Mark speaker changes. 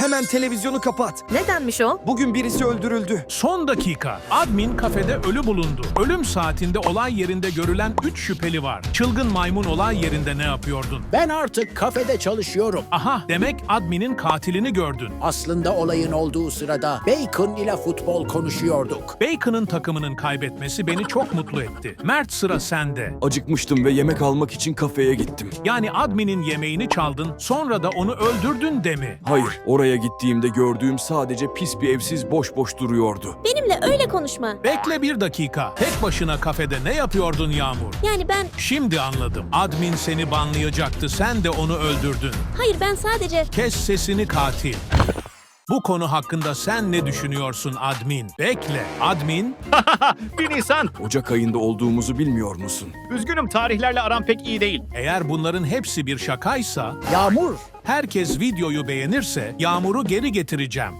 Speaker 1: Hemen televizyonu kapat.
Speaker 2: Nedenmiş o?
Speaker 1: Bugün birisi öldürüldü.
Speaker 3: Son dakika. Admin kafede ölü bulundu. Ölüm saatinde olay yerinde görülen 3 şüpheli var. Çılgın maymun olay yerinde ne yapıyordun?
Speaker 4: Ben artık kafede çalışıyorum.
Speaker 3: Aha, demek adminin katilini gördün.
Speaker 4: Aslında olayın olduğu sırada Bacon ile futbol konuşuyorduk.
Speaker 3: Bacon'ın takımının kaybetmesi beni çok mutlu etti. Mert, sıra sende.
Speaker 1: Acıkmıştım ve yemek almak için kafeye gittim.
Speaker 3: Yani adminin yemeğini çaldın, sonra da onu öldürdün de mi?
Speaker 1: Hayır, oraya gittiğimde gördüğüm sadece pis bir evsiz boş boş duruyordu.
Speaker 5: Benimle öyle konuşma.
Speaker 3: Bekle bir dakika. Tek başına kafede ne yapıyordun Yağmur?
Speaker 5: Yani ben...
Speaker 3: Şimdi anladım. Admin seni banlayacaktı, sen de onu öldürdün.
Speaker 5: Hayır, ben sadece...
Speaker 3: Kes sesini katil. Bu konu hakkında sen ne düşünüyorsun admin? Bekle, admin.
Speaker 6: 1 Nisan.
Speaker 1: Ocak ayında olduğumuzu bilmiyor musun?
Speaker 6: Üzgünüm, tarihlerle aram pek iyi değil.
Speaker 3: Eğer bunların hepsi bir şakaysa,
Speaker 4: Yağmur,
Speaker 3: herkes videoyu beğenirse Yağmur'u geri getireceğim.